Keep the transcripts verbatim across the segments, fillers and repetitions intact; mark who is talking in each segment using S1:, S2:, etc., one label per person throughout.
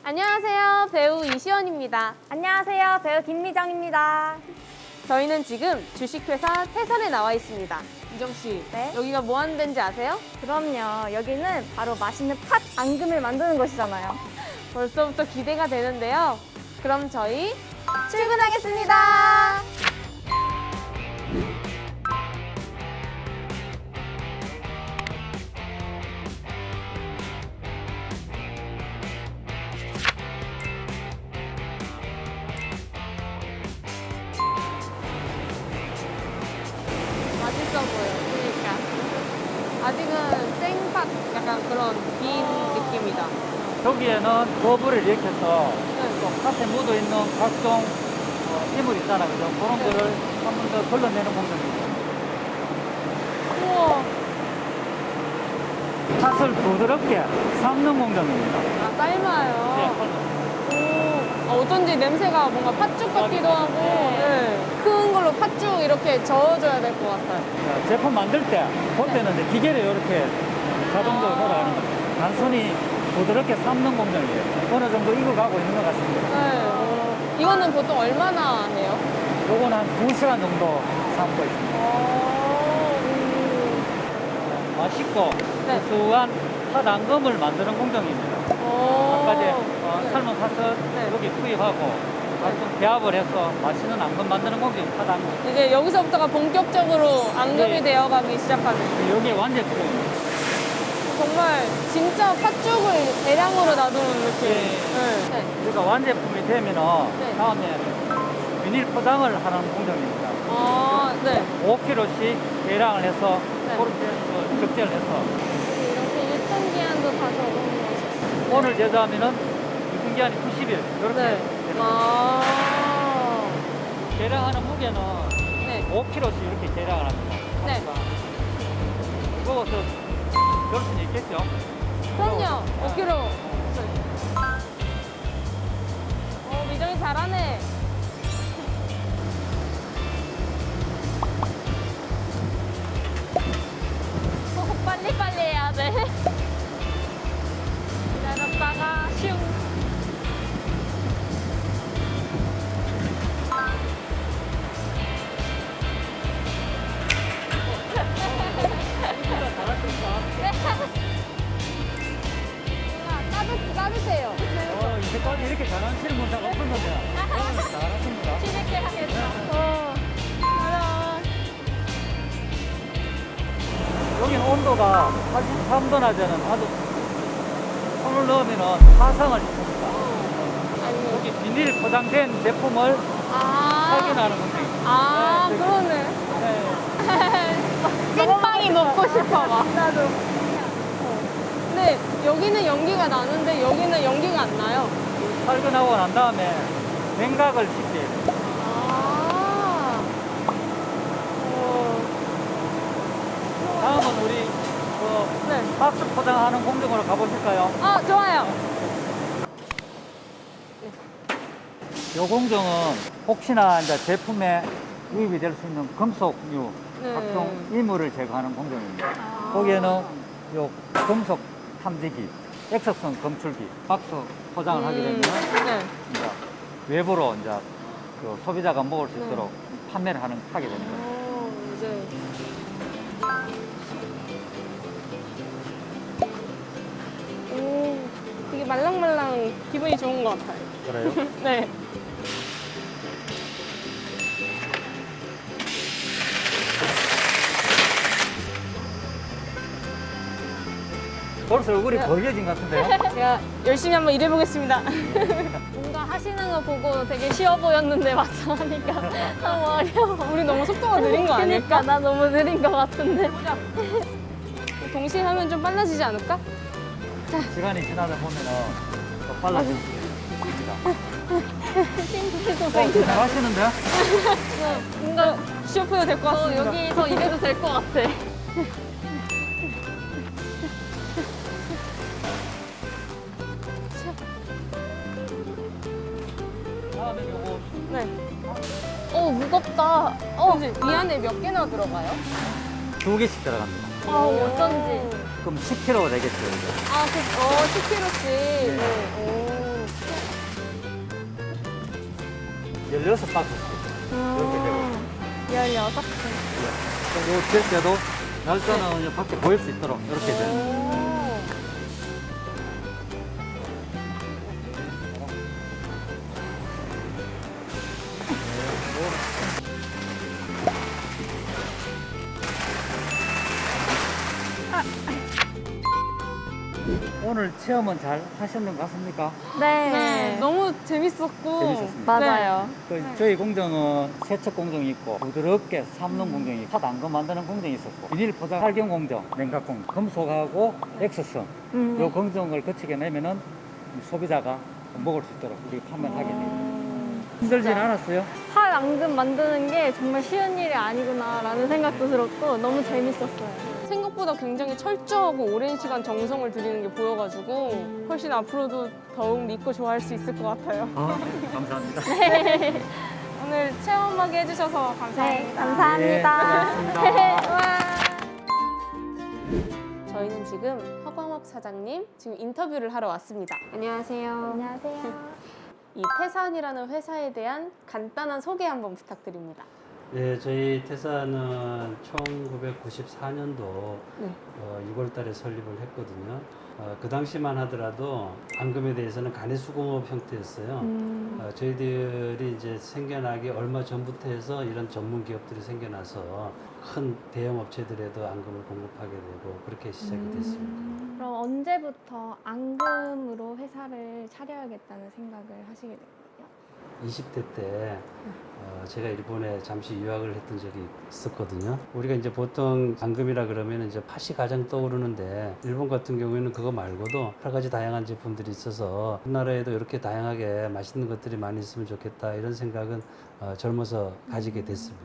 S1: 안녕하세요. 배우 이시연입니다.
S2: 안녕하세요. 배우 김미정입니다.
S1: 저희는 지금 주식회사 태산에 나와 있습니다. 미정 씨,
S2: 네?
S1: 여기가 뭐 하는 데인지 아세요?
S2: 그럼요. 여기는 바로 맛있는 팥 앙금을 만드는 곳이잖아요.
S1: 벌써부터 기대가 되는데요. 그럼 저희 출근하겠습니다. 맛있어 보여. 그러니까 아직은 생팥 약간 그런 빈 느낌이다.
S3: 여기에는 버블을 일으켜서
S1: 네.
S3: 또 팥에 묻어있는 각종 어, 이물 있잖아, 그죠? 그런
S1: 네.
S3: 거를 한 번 더 걸러내는 공정입니다.
S1: 우와.
S3: 팥을 부드럽게 삶는 공정입니다.
S1: 아, 삶아요.
S3: 네,
S1: 오, 아, 어쩐지 냄새가 뭔가 팥죽 같기도 하고 네. 큰 걸로 팥죽 이렇게 저어줘야 될 것 같아요.
S3: 자, 제품 만들 때, 볼 때는 이제 기계를 이렇게 자동적으로
S1: 아.
S3: 돌아가는 겁니다. 단순히 부드럽게 삶는 공정이에요. 어느 정도 익어가고 있는 것 같습니다.
S1: 네. 어, 이거는 보통 얼마나 해요?
S3: 요건 한 두 시간 정도 삶고 있습니다.
S1: 어,
S3: 맛있고
S1: 네.
S3: 구수한 팥 앙금을 만드는 공정입니다.
S1: 오.
S3: 아까 이제 어,
S1: 네.
S3: 삶은 팥을
S1: 네.
S3: 여기 투입하고 각종 배합을 해서 맛있는 앙금 만드는 공정, 팥 앙금.
S1: 이제 여기서부터가 본격적으로 앙금이
S3: 네.
S1: 되어가기 시작하는.
S3: 여기 완제품.
S1: 정말 진짜 팥죽을 대량으로 놔두는 느낌.
S3: 네.
S1: 네.
S3: 그러니까 완제품이 되면은
S1: 네.
S3: 다음에 비닐 포장을 하는 공정입니다.
S1: 아, 네.
S3: 오 킬로그램씩 대량을 해서
S1: 네.
S3: 그렇게 어, 적재를 해서
S1: 이렇게 유통기한도 다 적어놓으셨어요.
S3: 오늘 제조하면은 유통기한이 구십 일 이렇게
S1: 네.
S3: 되는 거예요.
S1: 아.
S3: 대량하는 무게는
S1: 네.
S3: 오 킬로그램씩 이렇게 대량을 합니다.
S1: 네.
S3: 무거워서 그럴 수는 있겠죠.
S1: 그럼요. 오 킬로그램. 어, 미정이 잘하네. 어, 빨리빨리 해야 돼. 기다렸다가 슝. 따뜻, 따뜻해요.
S3: 어, 이제까지 이렇게 잘하시는 분자가 없었는데 오늘 잘하십니다.
S1: 재밌게 하겠다. 어. 가자.
S3: 여기는 온도가 팔십삼 도나 되는 아주 손을 넣으면은 화상을 입습니다.
S1: 아니.
S3: 여기 비닐 포장된 제품을
S1: 아.
S3: 확인하는 공정입니다.
S1: 아,
S3: 네,
S1: 그러네.
S3: 네.
S1: 찐빵이 먹고 싶어, 막. 나도. 근데 여기는 연기가 나는데 여기는 연기가 안 나요.
S3: 살균하고 난 다음에 냉각을 시켜요.
S1: 아. 어.
S3: 다음은 우리 그
S1: 네.
S3: 박스 포장하는 공정으로 가보실까요?
S1: 아, 좋아요.
S3: 이 공정은 혹시나 이제 제품에 유입이 될 수 있는 금속류
S1: 네.
S3: 각종 이물을 제거하는 공정입니다.
S1: 아.
S3: 거기에는 요 금속 탐지기, 액석성 검출기, 박스 포장을 하게 되면
S1: 네.
S3: 이제 외부로 이제 그 소비자가 먹을 수
S1: 네.
S3: 있도록 판매를 하는 하게 되는 거예요.
S1: 오, 이제. 오, 되게 말랑말랑 기분이 좋은 것 같아요.
S3: 그래요?
S1: 네.
S3: 벌써 얼굴이
S1: 네.
S3: 벌려진 것 같은데요?
S1: 제가 열심히 한번 일해보겠습니다. 뭔가 하시는 거 보고 되게 쉬워 보였는데 막상 하니까 너무 어려워. 우리 너무 속도가 느린 거 아닐까?
S2: 그러니까 나 너무 느린 것 같은데.
S1: 동시에 하면 좀 빨라지지 않을까?
S3: 시간이 지나다 보면은 더 빨라질 수 있습니다.
S1: 싱크도
S3: 어, 잘하시는데요?
S1: 뭔가 쉬워프도 될 것
S2: 어,
S1: 같습니다.
S2: 여기서 일해도 될 것 같아.
S3: 다음에 요거
S1: 네.
S2: 어, 무겁다.
S1: 어, 이 안에 몇 개나 들어가요?
S3: 두 개씩 들어갑니다.
S2: 아, 어쩐지.
S3: 그럼 십 킬로그램 되겠죠, 이제.
S1: 아, 그, 어, 십 킬로그램씩.
S3: 네.
S1: 오.
S3: 열여섯 바퀴씩 이렇게 되고
S1: 열여섯 개.
S3: 요 때도 날짜는 이제 밖에 보일 수 있도록 이렇게 돼요. 오늘 체험은 잘 하셨는 것 같습니까?
S2: 네.
S1: 네, 너무 재밌었고.
S3: 재밌었습니다.
S2: 맞아요.
S3: 그 저희 공정은 세척 공정이 있고 부드럽게 삶는 공정이 있고 팥 만드는 공정이 있었고 비닐 포장 활경 공정, 냉각 공정, 금속하고 엑스선
S2: 음.
S3: 요 공정을 거치게 내면은 소비자가 먹을 수 있도록 우리 판매를 하게 됩니다. 힘들진 않았어요?
S2: 팥 앙금 만드는 게 정말 쉬운 일이 아니구나라는 생각도 들었고 너무 재밌었어요.
S1: 생각보다 굉장히 철저하고 오랜 시간 정성을 들이는 게 보여가지고 훨씬 앞으로도 더욱 믿고 좋아할 수 있을 것 같아요.
S3: 아, 감사합니다.
S1: 오늘 체험하게 해주셔서
S2: 네,
S1: 감사합니다.
S2: 감사합니다.
S3: 네, 고맙습니다.
S2: 와.
S1: 저희는 지금 허광옥 사장님 지금 인터뷰를 하러 왔습니다. 안녕하세요.
S2: 안녕하세요.
S1: 이 태산이라는 회사에 대한 간단한 소개 한번 부탁드립니다.
S4: 네, 저희 태사는 천구백구십사 년도
S1: 네.
S4: 어, 유월 달에 설립을 했거든요. 어, 그 당시만 하더라도 앙금에 대해서는 간이수공업 형태였어요.
S1: 음.
S4: 어, 저희들이 이제 생겨나기 얼마 전부터 해서 이런 전문 기업들이 생겨나서 큰 대형 업체들에도 앙금을 공급하게 되고 그렇게 시작이 됐습니다.
S2: 그럼 언제부터 앙금으로 회사를 차려야겠다는 생각을 하시게 됐어요?
S4: 이십 대 때 어, 제가 일본에 잠시 유학을 했던 적이 있었거든요. 우리가 이제 보통 앙금이라 그러면 이제 팥이 가장 떠오르는데 일본 같은 경우에는 그거 말고도 여러 가지 다양한 제품들이 있어서 우리나라에도 이렇게 다양하게 맛있는 것들이 많이 있으면 좋겠다 이런 생각은 어, 젊어서 가지게 됐습니다.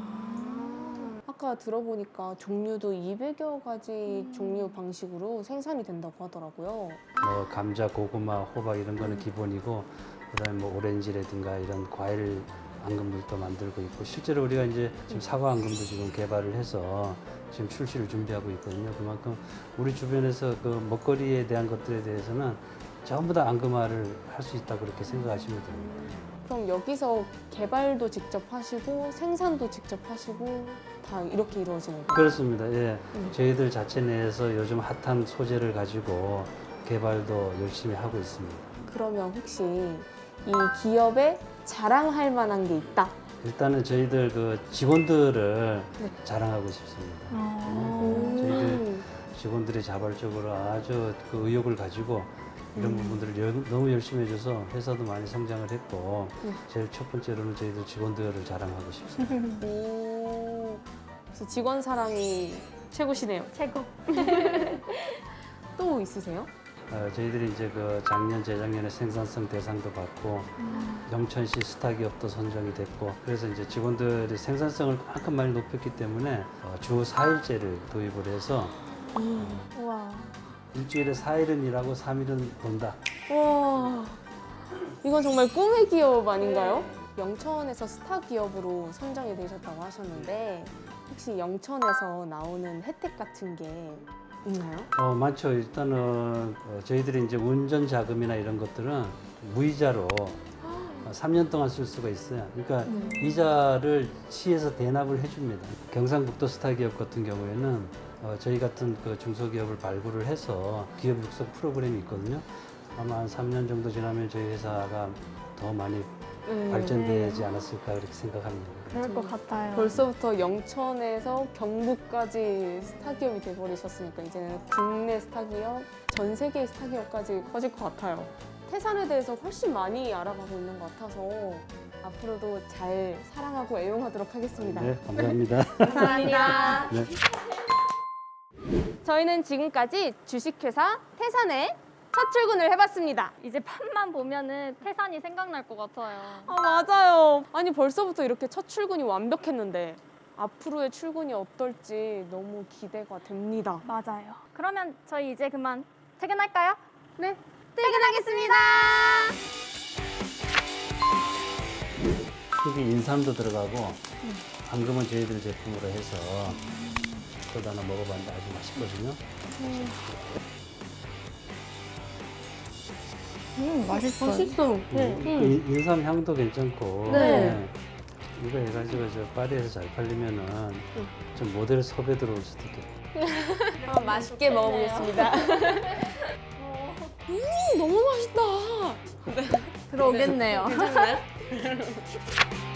S1: 아까 들어보니까 종류도 이백여 가지 종류 방식으로 생산이 된다고 하더라고요.
S4: 뭐 감자, 고구마, 호박 이런 거는 기본이고 그다음에 뭐 오렌지라든가 이런 과일 앙금들도 만들고 있고 실제로 우리가 이제 지금 사과 앙금도 지금 개발을 해서 지금 출시를 준비하고 있거든요. 그만큼 우리 주변에서 그 먹거리에 대한 것들에 대해서는 전부 다 앙금화를 할 수 있다 그렇게 생각하시면 됩니다.
S1: 그럼 여기서 개발도 직접 하시고 생산도 직접 하시고 다 이렇게 이루어지는 거예요?
S4: 그렇습니다. 예.
S1: 음.
S4: 저희들 자체 내에서 요즘 핫한 소재를 가지고 개발도 열심히 하고 있습니다.
S1: 그러면 혹시 이 기업에 자랑할 만한 게 있다?
S4: 일단은 저희들 그 직원들을
S1: 네.
S4: 자랑하고 싶습니다.
S1: 음.
S4: 저희들 직원들이 자발적으로 아주 그 의욕을 가지고 이런 부분들을 여- 너무 열심히 해줘서 회사도 많이 성장을 했고
S1: 네.
S4: 제일 첫 번째로는 저희들 직원들을 자랑하고 싶습니다.
S1: 오, 역시 직원 사랑이 최고시네요.
S2: 최고.
S1: 또 있으세요?
S4: 어, 저희들이 이제 그 작년, 재작년에 생산성 대상도 받고 영천시 스타 기업도 선정이 됐고 그래서 이제 직원들이 생산성을 그만큼 많이 높였기 때문에 어, 주 사 일제를 도입을 해서
S2: 우와.
S4: 일주일에 사 일은 일하고 삼 일은 논다.
S1: 와, 이건 정말 꿈의 기업 아닌가요? 영천에서 스타 기업으로 선정이 되셨다고 하셨는데 혹시 영천에서 나오는 혜택 같은 게 있나요?
S4: 어, 많죠. 일단은 어, 저희들이 이제 운전 자금이나 이런 것들은 무이자로 어, 삼 년 동안 쓸 수가 있어요. 그러니까 이자를 시에서 대납을 해줍니다. 경상북도 스타 기업 같은 경우에는 어, 저희 같은 그 중소기업을 발굴을 해서 기업 육성 프로그램이 있거든요. 아마 한 삼 년 정도 지나면 저희 회사가 더 많이
S1: 음.
S4: 발전되지 않았을까 그렇게 생각합니다.
S2: 그럴 것 같아요.
S1: 벌써부터 영천에서 경북까지 스타 기업이 돼버리셨으니까 이제는 국내 스타 기업, 전 세계 스타 기업까지 커질 것 같아요. 태산에 대해서 훨씬 많이 알아가고 있는 것 같아서 앞으로도 잘 사랑하고 애용하도록 하겠습니다.
S4: 네, 감사합니다.
S1: 감사합니다.
S4: 네.
S1: 저희는 지금까지 주식회사 태산의 첫 출근을 해봤습니다.
S2: 이제 팥만 보면은 태산이 생각날 것 같아요.
S1: 아, 맞아요. 아니 벌써부터 이렇게 첫 출근이 완벽했는데 앞으로의 출근이 어떨지 너무 기대가 됩니다.
S2: 맞아요. 그러면 저희 이제 그만 퇴근할까요?
S1: 네, 퇴근하겠습니다.
S4: 여기 인삼도 들어가고 앙금은 저희들 제품으로 해서 또 하나 먹어봤는데 아주 맛있거든요.
S2: 음, 맛있어요.
S1: 맛있어.
S2: 네.
S4: 그 인- 인삼 향도 괜찮고.
S1: 네.
S4: 이거 해가지고 저 파리에서 잘 팔리면은 좀 모델 섭외 들어올 수도 있겠다.
S1: 아, 맛있게 먹어보겠습니다. 음, 너무 맛있다.
S2: 들어오겠네요.
S1: 괜찮나요?